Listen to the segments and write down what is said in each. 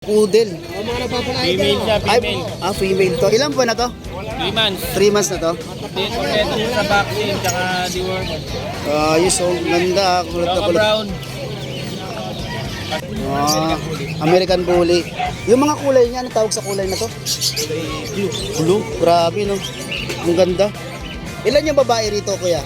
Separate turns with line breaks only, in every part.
Poodle.
Female siya, female.
Female to. Ilan po na to?
3 months.
3 months na to?
Kompleto mo sa vaccine, tsaka deworm.
Ayos oh. Ganda. Kulot na
Tsaka
kulot.
brown.
American Bully. Yung mga kulay niya, ano tawag sa kulay na to?
Blue.
Blue. Grabe no. Ang ganda. Ilan yung babae rito kuya?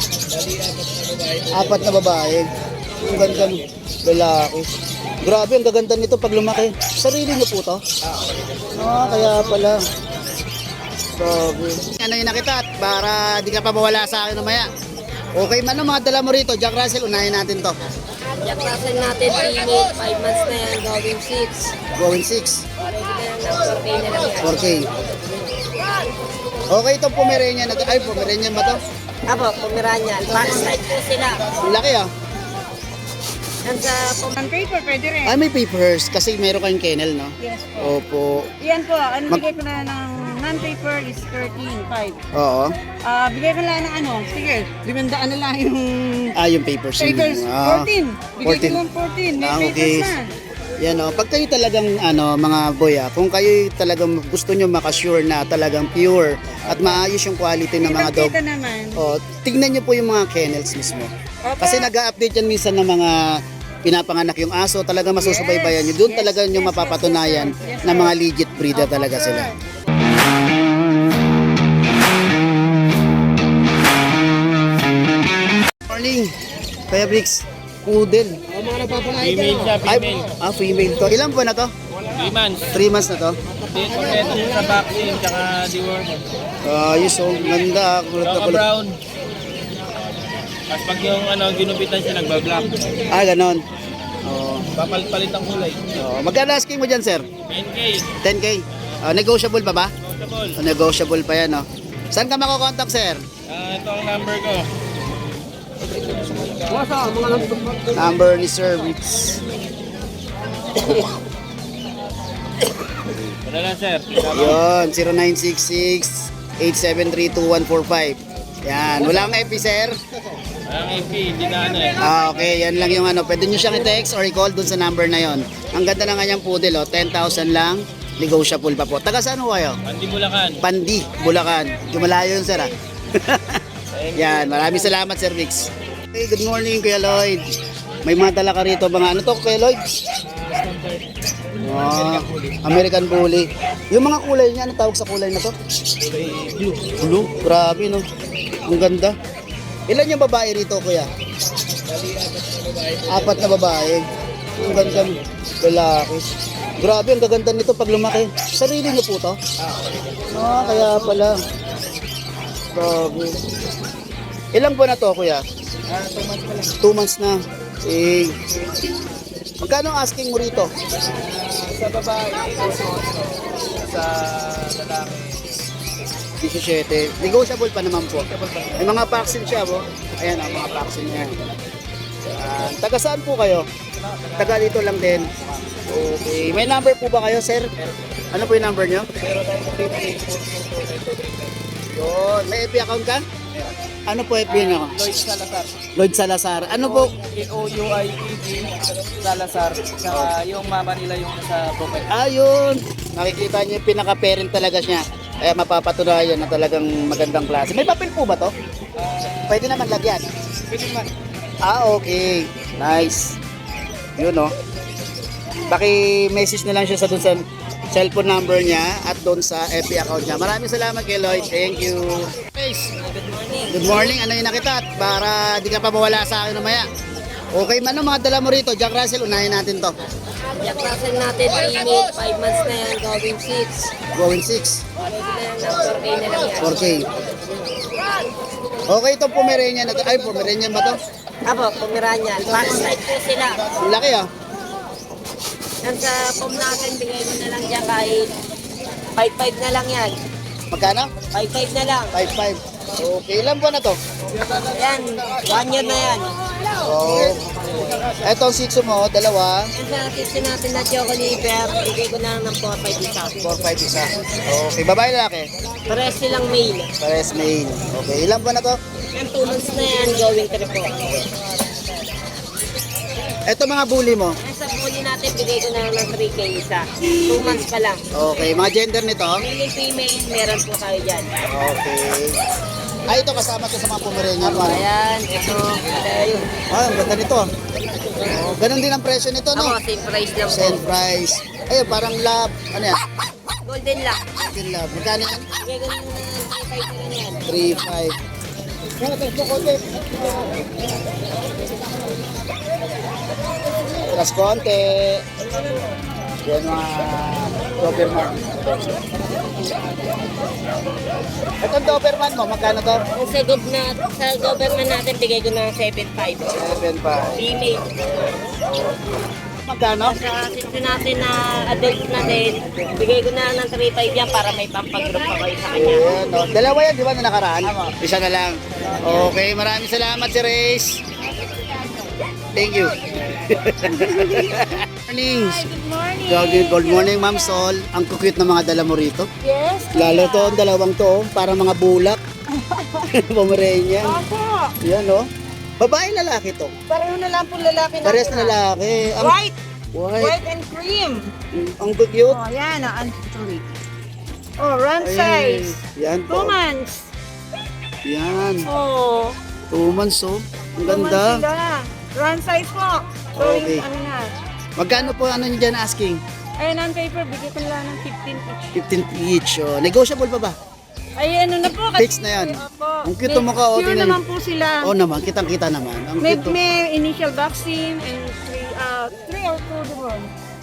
4 na babae. Ang ganda no. Lalaki. Grabe, ang gaganda nito pag lumaki. Sarili niyo po to? Kaya pala. Grabe. Ano yung nakita para di ka pa mawala sa akin mamaya. Okay man mga dala mo rito. Jack Russell, unahin natin to.
Jack Russell natin, female, 5 months na yan, going 6.
Going 6.
Pwede na yan ng 4K na lang yan.
4K. Okay itong Pomeranian na to. Ay, Pomeranian ba to?
Apo, Pomeranian. Parasite po sila.
Ang laki ah.
Yan sa
Paper, pwede rin.
Ay, may papers kasi meron kayong kennel, no?
Yes po.
Opo.
Yan po, bigay ko na ng non-paper is 13.5.
Oo.
Bigay ko na ng sige, 500 na lang yung
Yung papers.
papers. 14. Bigay ko
14.
lang 14. May
Okay.
papers na.
Yan o. Pag kayo talagang mga boy kung kayo talagang gusto nyo makasure na talagang pure at maayos yung quality ng mga dog,
Kita naman.
tignan nyo po yung mga kennels mismo.
Opo.
Kasi nag-update yan minsan ng mga pinapanganak yung aso, talaga masusubaybayan nyo. Doon talaga nyo mapapatunayan na mga legit breeder talaga sila. Morning, Kuya Bricks. Poodle.
Female siya, female.
Female to. Ilan po na to?
3 months.
3 months na to?
Kompleto mo sa vaccine, tsaka deworm.
Ayos oh. Ganda. Kulot na
Tsaka
kulot.
brown. Tapos pag yung ginupitan siya, nagbablock.
Ganon.
Papalit ang kulay.
Magkano asking mo dyan, sir?
10K.
10K? Negotiable pa ba?
Comfortable.
Negotiable pa yan, no? Saan ka makokontak, sir?
Ito ang number ko.
Number ni Sir Bricks.
Wala lang, sir.
Yun, 0966-873-2145. Yan, wala kang FB, sir?
Walang AP, hindi na
Okay, yan lang yung Pwede nyo siyang i-text or i-call dun sa number na yon. Ang ganda ng kanyang poodle, 10,000 lang. Negotiable pa po. Taga saan ho kayo?
Pandi Bulacan.
Pandi, Bulacan. Lumalayo yun, sir, Yan, maraming salamat, Sir Bricks. Hey, good morning, Kuya Lloyd. May mga dala ka rito, mga ano to, Kuya Lloyd? American Bully. Yung mga kulay niya, ano tawag sa kulay na to?
Blue.
Blue? Grabe, no? Ang ganda. Ilan yung babae rito, Kuya? 4 na babae. Ang ganda, no? Lalaki. Grabe, ang gaganda nito pag lumaki. Sarili niyo po to? Kaya pala. Grabe. Ilang buwan na to, Kuya? 2 months na. Magkano ang asking mo rito?
Sa babae, sa lalaki.
17. Negotiable pa naman po. May mga vaccine siya, po. Ayan ang mga vaccine niya. Taga saan po kayo? Taga dito lang din. Okay. May number po ba kayo, sir? Ano po yung number nyo?
0942.
Yun. May FB account ka? Ano po FB nyo?
Lloyd Salazar.
Lloyd Salazar. Ano po?
Louied Salazar. Saka yung mama nila yung sa profile.
Ayun. Nakikita niyo yung pinaka-parent talaga siya. Kaya mapapatunayan na talagang magandang klase. May papel po ba to? Pwede naman lagyan.
Pwede man.
Okay. Nice. Yun no. Paki-message na lang siya sa dun sa cellphone number niya at doon sa FB account niya. Maraming salamat kay Lloyd. Thank you. Good morning. Ano yung nakita para di ka pa mawala sa akin mamaya. Okay man mga dala mo rito. Jack Russell, unahin natin to.
Jack Russell natin, female, 5 months na yan, going 6.
Going 6.
Pwede na yan ng 4K na lang yan.
4K. Okay itong Pomeranian na to. Ay, Pomeranian ba to?
Apo, Pomeranian. Parasite po sila.
Ang laki ah.
Yan sa pom natin, bigay mo na lang dyan kahit 5.5 na lang yan.
Magkano?
5.5 na lang.
5.5. Okay, ilan buwan na to?
Yan, 1 year na yan.
Oh. Etong sitso mo, dalawa.
Yan sa assistant natin na Choco Liver, bigay ko na lang ng 4.5 isa.
4-5 isa. Okay, babae lalaki?
Pares silang male.
Pares male. Okay, ilan buwan na to?
Yan, 2 months na yan, going 3 po.
Eto mga bully mo.
Yan sa huli natin, bigay ko na lang ng 3K isa. 2 months pa lang.
Okay, mga gender nito?
Male and female, meron po tayo dyan.
Okay. Ay, ito kasama to sa mga Pomeranian.
Ayan, ito, ayun.
Ah, ang ganda nito. Oh, ganun din ang presyo nito, no?
Ako, same price lang po.
Same price. Ayun, parang lab. Ano yan?
Golden lock.
Golden lab. Magkano yan?
Bigay ko na ng 3.5 na lang yan.
3.5. Plus konti. Yan mga Doberman. Itong Doberman mo, magkano to?
Ang sagot na, sa government natin, bigay ko na ng 7.5.
7.5.
Female.
Magkano?
Sa sityo natin na adult na din, bigay ko na ng 3.5 yan para may pampag-group pa kayo sa kanya.
Ayan, no? Dalawa yan, di ba, na nakaraan? Isa na lang. Okay, maraming salamat si Race. Thank you. Morning. Good morning, Ma'am Sol. Ang cute ng mga dala mo rito.
Yes.
Lalo to, ang dalawang to, para mga bulak. Pomeranian.
Opo.
Yan, no? Babae, lalaki to.
Pareho na lang po lalaki natin.
Parehas na lalaki. Ang
White.
white.
White and cream.
Ang cute.
Oh, yan. Ang tuloy. Oh, run
Ay,
size.
yan
2
po.
months.
Yan.
Oh.
2 months, oh. Ang
2 months
ganda.
sila. Run size po. So,
Okay.
ano na.
Magkano po ano nyo dyan asking?
Ayun, ang paper, bigay ko lang ng 15 each.
15 each. Oh. Negotiable pa ba?
Ay, ano na po. Kasi,
Fix na yan.
Opo.
Ang cute ng mukha, oh,
Pure
tingnan.
naman po sila.
Oo naman, kitang-kita naman. Ang
May,
cute. Oh.
may initial vaccine and 3 or 2 deworm.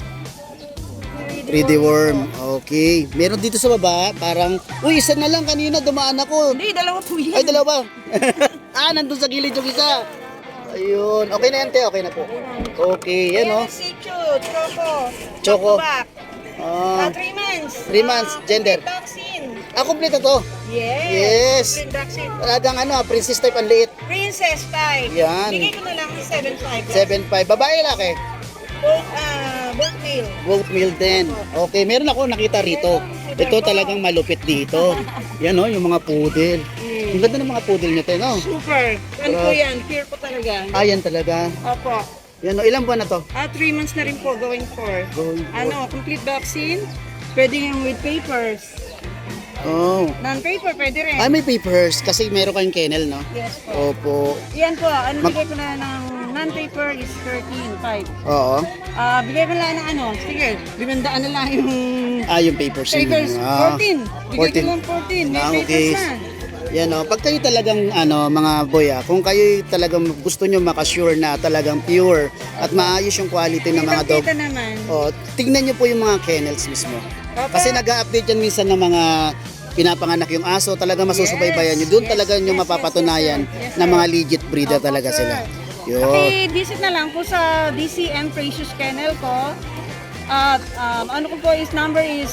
3D worm. Okay. Meron dito sa baba, parang, uy, isa na lang kanina, dumaan ako.
Hindi, dalawa po yan.
Ay, dalawa. Nandun sa gilid yung isa. Ayun. Okay na yan, te. Okay na po. Okay, yan, oh.
Sichu, Choco.
Choco.
Back.
Ah,
3 months.
3 months, gender.
Vaccine.
Kompleto to.
Yes.
Yes.
Complete vaccine.
Talagang ano, princess type ang liit.
Princess type.
Yan.
Bigay ko na lang ng 7.5.
7.5. Babae, laki.
Both male.
Goat meal din. Okay, meron ako nakita rito. Ito talagang malupit dito. Yan, oh, yung mga poodle. Ang ganda ng mga poodle nyo, te, no?
Super. Ano po yan? Pure po talaga.
Ayan talaga.
Opo.
Yan, oh, ilang buwan na to?
3 months na rin po going for.
Going for.
Ano, complete vaccine. Pwede yung with papers.
Oh.
Non-paper, pwede rin.
May papers kasi meron kayong kennel, no?
Yes po.
Opo.
Yan po, ano bigay ko na ng non-paper is 13.5.
Oo.
Bigay ko na ng ano, sige, 500 na lang yung
Yung papers. yun.
papers. 14. Bigay ko
14.
lang 14. May
Okay.
papers na.
Yan, oh. Pag kayo talagang, mga boy, kung kayo talagang gusto nyo makasure na talagang pure at maayos yung quality ng mga dog,
Kita naman.
tignan nyo po yung mga kennels mismo. Kasi nag-update yan minsan ng mga pinapanganak yung aso, talaga masusubaybayan nyo. Doon talaga nyo mapapatunayan na mga legit breeder talaga sila. Yun.
Visit na lang po sa DCM Precious Kennel ko. At ano ko po is number is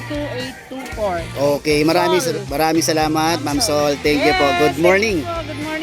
0936-3432-824.
Okay, maraming salamat, Ma'am Sol. Thank you po. Good morning.
Good morning.